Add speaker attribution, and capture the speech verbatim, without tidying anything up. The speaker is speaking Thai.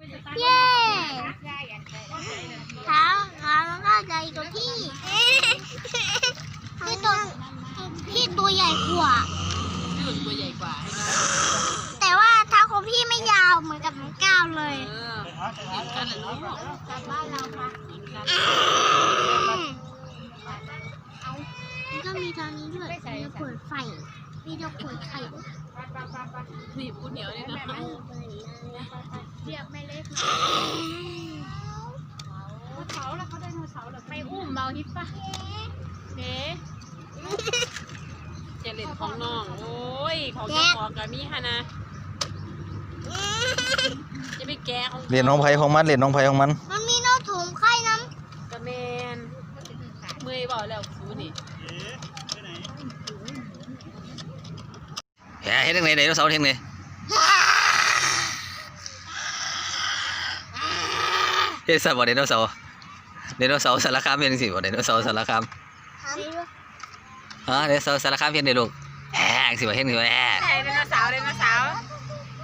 Speaker 1: เย้เท้าขามันก็ใหญ่กว่าพี่พี่ตัวพี่ตัวใหญ่กว่า
Speaker 2: พี่หลุดตัวใหญ่กว่า
Speaker 1: แต่ว่าเท้าของพี่ไม่ยาวเหมือนกับของก้าวเลย
Speaker 2: เออเห็นกันเหรอลูก
Speaker 1: กลับบ้านเราค่ะมันก็มีตอนนี้ด้วยมีเปิดไฟมีจะเปิดไข่
Speaker 2: พี่พูดเหนียวเลยนะ
Speaker 1: เรียกแม่เล็กเขาแล้วเขาได้โนเสาร์หรอไม่อุ้มเบาฮิปปะเด๊ะ
Speaker 2: เจริญของน้องโอ้ยของเจ้าของกับมีฮะนะจะไปแกะของ
Speaker 3: เรียนน้องไผ่ของมันเรียนน้องไผ่ของมัน
Speaker 1: มันมีโน้ตถุงไข่น้
Speaker 2: กระเมนเมื่อยบอกแล้วสูนี่
Speaker 3: แหเฮ็ดจังได๋ไดโนเสาร์เฮ็ดจังได๋เฮ็ดซะบ่ไดโนเสาร์ไดโนเสาร์สารคามเฮ็ดจังซี่บ่ไดโนเสาร์สารคาม
Speaker 1: ำ
Speaker 3: ฮะไดโนเสาร์สารคามเฮ็ดได้ลูกแหจังซี่บ่เฮ็ดจังซี่บ่แห
Speaker 2: ใช่ไหมล่ะ